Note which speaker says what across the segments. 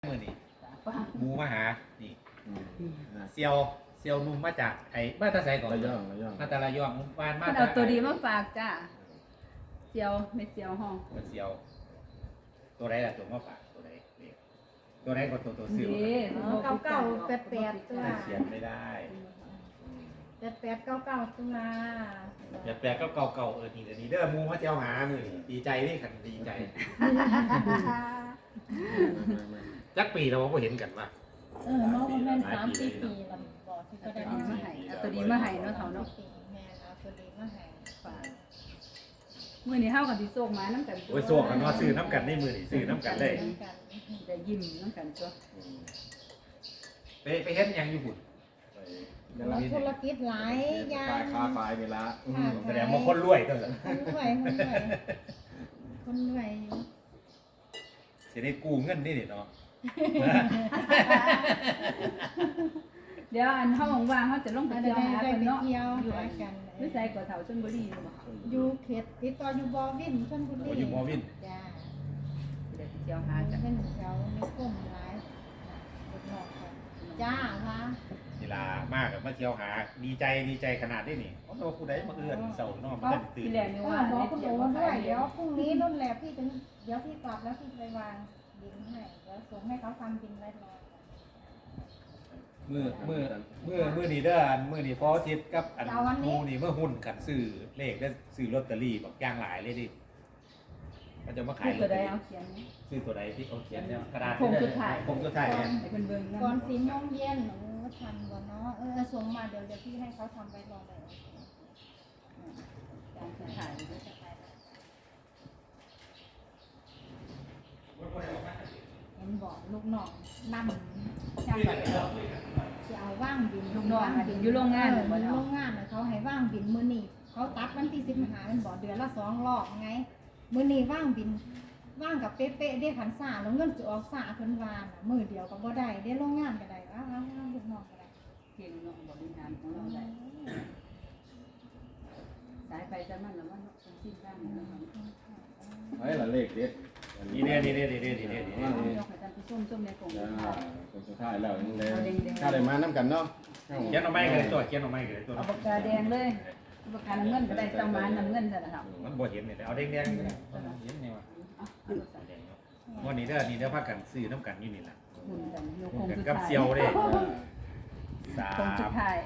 Speaker 1: มือนี่หมูมาหานี่เซียวนุ่มมาจากไอ้มาตาไซก่อน
Speaker 2: ระยอง
Speaker 1: มาตาระยองบ้านมา
Speaker 3: เอาตัวดีมาฝากจ้าเจียวไม่เจียวห้อง
Speaker 1: มันเซียวตัวไหนล่ะตัวมาฝากตัวไหนตัวไหนก็ตัวซื้อ
Speaker 3: นี่
Speaker 4: เก้าเก้าแปดแปดตัว
Speaker 1: เขียนไม่ได้
Speaker 4: แปดแปดเก้าเก้าตัว
Speaker 1: อย่าแปลก็เก่านี่เด้อหมูมาเจียวหามือนี่ดีใจนี่ขันดีใจจักปีเราก็เห็นกันว่า
Speaker 4: น้องมันเป็น3-4 ปีลำบอกที่ก็ได้
Speaker 3: เอาตัวดีมาให้เนาะเขาเนาะ
Speaker 4: แม่เอาตัวดีมาให้
Speaker 3: ฝากมื้อนี้เฮากันสิโซกมาน้ำกัน
Speaker 1: โอ้ยโซ่กันเนาะซื้อน้ำกันในมือนี่ซื้อน้ำกันเลย
Speaker 3: จะยิ้มน้ำกันตัว
Speaker 1: ไปเห็นยังอยู่หุ่น
Speaker 4: ธุรกิจหลายอย่าง
Speaker 2: ค้าขายเวลา
Speaker 1: แสดงว่าคนรวยก็เลย
Speaker 4: คนรวยอยู่
Speaker 1: จะได้กู้เงินนี่เนาะ
Speaker 3: เดี๋ยวอันเฮาว่างๆเฮาจะลงไป
Speaker 4: ได้
Speaker 3: เที่ยวหา
Speaker 4: ได้
Speaker 3: เพิ่น
Speaker 4: ไป
Speaker 3: เนาะ
Speaker 4: เที่ยว
Speaker 3: อยู่
Speaker 4: หา
Speaker 3: อัน
Speaker 4: กัน
Speaker 3: วิสัยก่อเฒ่าชลบุรีบ่
Speaker 4: อยู่เขตติดต่ออยู่บอวินชลบุรี
Speaker 1: อยู่มอวิน
Speaker 4: จ้า
Speaker 3: เดี๋ยวไปเที่ยวหา
Speaker 4: จะ
Speaker 3: กัน
Speaker 4: เป็นแถวในกลุ่มหลายเด็กนอกค่ะจ้าค่ะ
Speaker 1: เวลามากมาเที่ยวหาดีใจขนาดนี้นี่โอ้โหผู้ใดมาเอื้อนเสาร์นอกมาตื่น
Speaker 3: ที่แรกนี่
Speaker 4: ก็
Speaker 3: ว่า
Speaker 4: บอก
Speaker 3: ได้
Speaker 4: คุณ
Speaker 3: เที่ยว
Speaker 4: โอ๋
Speaker 3: มา
Speaker 4: ด้ว
Speaker 3: ขาย ย
Speaker 4: เดี๋ยวพรุ่งนี้นู่นแหละพี่ถึงเดี๋ยวพี่กลับแล้วพี่ไปวางบินให้เดี๋ยวส่งให้เขาทำบินไว้รอ
Speaker 1: มือนี่เด้ออันมือนี่พอทิศกับอันมูนี่เมื่อหุ้นกันซื้อเลขได้ซื้อลอตเตอรี่แบบย่างหลายเลยดิก็จะมาขาย
Speaker 3: ตัวใดเอาเขียนนี่
Speaker 1: ซื้อตัวใดที่เขาเขียนเนี่ยกระดาษ
Speaker 3: ผมสุดท้าย
Speaker 1: ผมสุดท้ายเนี่ย
Speaker 3: ให้เพิ่นเบิ่ง
Speaker 4: ก่อน
Speaker 3: นำ
Speaker 4: 4 โมงเย็นหนูทันบ่เนาะส่งมาเดี๋ยวพี่ให้เขาทำไว้รอเลย
Speaker 3: การสุดท้าย
Speaker 4: เห็นบอกลูกน้องนำจ้างจะเอาว่างบิน
Speaker 3: ลูกน้องอะอยู่โรงงาน
Speaker 4: อยู่
Speaker 3: บ่
Speaker 4: โร
Speaker 3: เนาะ
Speaker 4: งงานเขาให้ว่างบินมื้อนี้เขาตัดวันที่15มันบอกเดือนละ2 รอบไงมื้อนี้ว่างบินว่างกับเป๊ะๆได้ขันซ่าแล้วเงินสิออกซ่าเพิ่นว่าน่ะมื้อเดียวก็บ่ได้ได้โรงงานก็ได้อ้าวลูกน้องก็ได้
Speaker 3: เก่งเนาะบริหารของเราได้สายไปสายมันแล้วมันเป็นสิ้นข้างเนาะ
Speaker 2: ไอ้ละเลขเด็ด
Speaker 1: นี่เนี่ย
Speaker 3: ยกให้ท่านผู้ชมในกลุ่ม
Speaker 2: คนสุดท้ายแล้วยังได้ถ้าได้มาน้ำกันเนาะ
Speaker 1: เขียนเอาไม้กันเลยตัวเขียนเอาไม้กันเลยตัว
Speaker 3: เอาปากกาแดงเลยปากกาน้ำเงินก็ได้ต้องมาน้ำเงินซะนะครับ
Speaker 1: มันบ่เห็นเนี่ยเอาแดงๆเห็นไงวะวันนี้เด้อพักกันซื้อน้ำกันอยู่นี่แหละ
Speaker 3: หุ่นกันโย
Speaker 1: ผ
Speaker 3: ค
Speaker 1: ม
Speaker 3: ง
Speaker 1: กัน
Speaker 3: สุด
Speaker 1: กับ
Speaker 3: ท้าย
Speaker 1: เซียวเลยสา
Speaker 3: คงสุ
Speaker 1: ม
Speaker 3: ดท้าย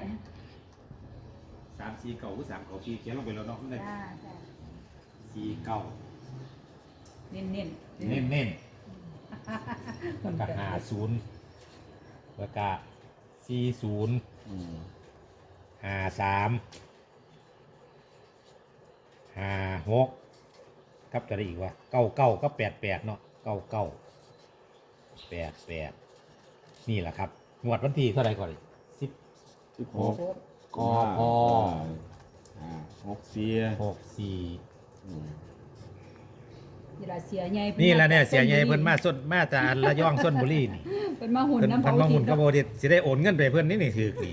Speaker 1: 4 เก่าหรือ3 เก่า4เขียนลงไปแล้วเนาะ
Speaker 4: จ้า
Speaker 1: 4 เก่า
Speaker 3: เน้น
Speaker 1: เน้นๆแล้วก็50แล้วก็40 53 56ครับจะได้อีกว่า99ก็88เนาะ99 88นี่แหละครับงวดวันที่เท่าไหร่ก่อน10
Speaker 2: 16
Speaker 1: กพ64
Speaker 3: นี่ล่ะเสียใหญ่
Speaker 1: นี่แหละเนี่ยเสียใหญ่เพิ่นมาจากระยองชลบุรีนี่
Speaker 3: เป็นมาหุ่น
Speaker 1: เพิ่น
Speaker 3: น้ำ
Speaker 1: เพิ่นมาหุ่นกระโบดิสิได้โอนเงินไปเพิ่นนี่ถือนี่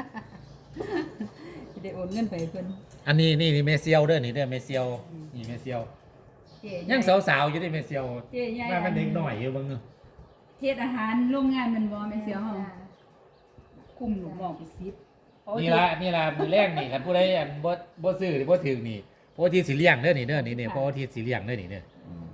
Speaker 3: สิได้โอนเงินไปเพิ่น
Speaker 1: อันนี้นี่เมเซียวเด้อนี่เด้อเมเซียวนี่เมเซียว
Speaker 3: เจ๊
Speaker 1: ยังสาวๆอยู่ดิเมเซียว
Speaker 3: เจ๊ใหญ่
Speaker 1: ว่ามันเด็กหน่อยอยู่เบิ่ง
Speaker 3: เฮ็ดอาหารโรงงานมันบ่แม่เสียวเฮาคุมลูกน้องไป10
Speaker 1: นี่ละมือแรกนี่คันผู้ใดอันบ่ซื้อหรือบ่ถึงนี่เพราะที่สิเลี้ยงเด้อนี่เด้อนี่เพราะที่สิเลี้ยงเด้อนี่เด้อ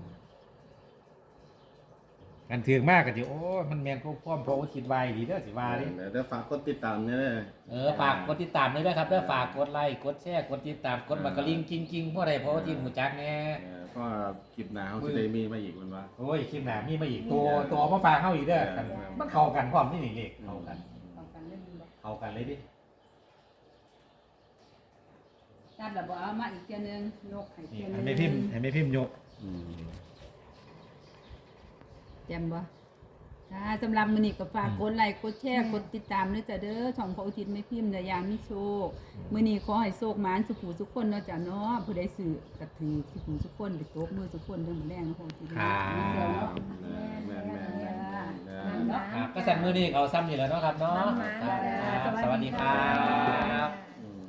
Speaker 1: กันถึงมากก็สิโอ้มันแม่นพวกพร้อมเพราะว่าคิดไว้ดีเด้อสิว่าดิ
Speaker 2: เดี๋ยวฝากกดติดตามเนี่ย
Speaker 1: ฝากกดติดตามด้วยนะครับแล้วฝากกดไลค์กดแชร์กดติดตามกดมากระลิงจริงๆเพราะอะไรเพราะว่าที่หมูจักแน่
Speaker 2: ก็คลิปหนาเขาจะได้มีมาอีกมันว่า
Speaker 1: โอ้ยคลิปหน้ามีมาอีกตัวเอามาฝากเข้าอีกเด้อกันมันเข้ากันพร้อมนี่นี่เลขเข้ากัน
Speaker 3: ต้องกันเล่นบ่
Speaker 1: เข้ากันเลยดิ
Speaker 3: ตัดแล้วบ่เอามาอีกเทื่อนึงยกให้
Speaker 1: นี่
Speaker 3: เทื่อนึ
Speaker 1: ให้
Speaker 3: ง
Speaker 1: ไม่พิมพ์ยก
Speaker 3: แจ่มบ่ค่ะสำหรับมื้อนี้ก็ฝากกดไลค์กดแชร์กดติดตามด้วยจ้ะเด้อช่องพระอุทิศไม่พิมพ์เด้อยามมีโชคมื้อนี้ขอให้โชคหมานสุขุทุกคนเนาะจ้ะเนาะผู้ใดซื้อก็ถือสุขุทุกคนไปตบมือทุกคนเด้อมื้อแรงเนาะพระอุทิศเนาะมีเสียวเนาะ
Speaker 1: ก็สั่นมือนี่เขาซ้ำอยู่แล้วเนาะครับเนาะสวัสดีครับ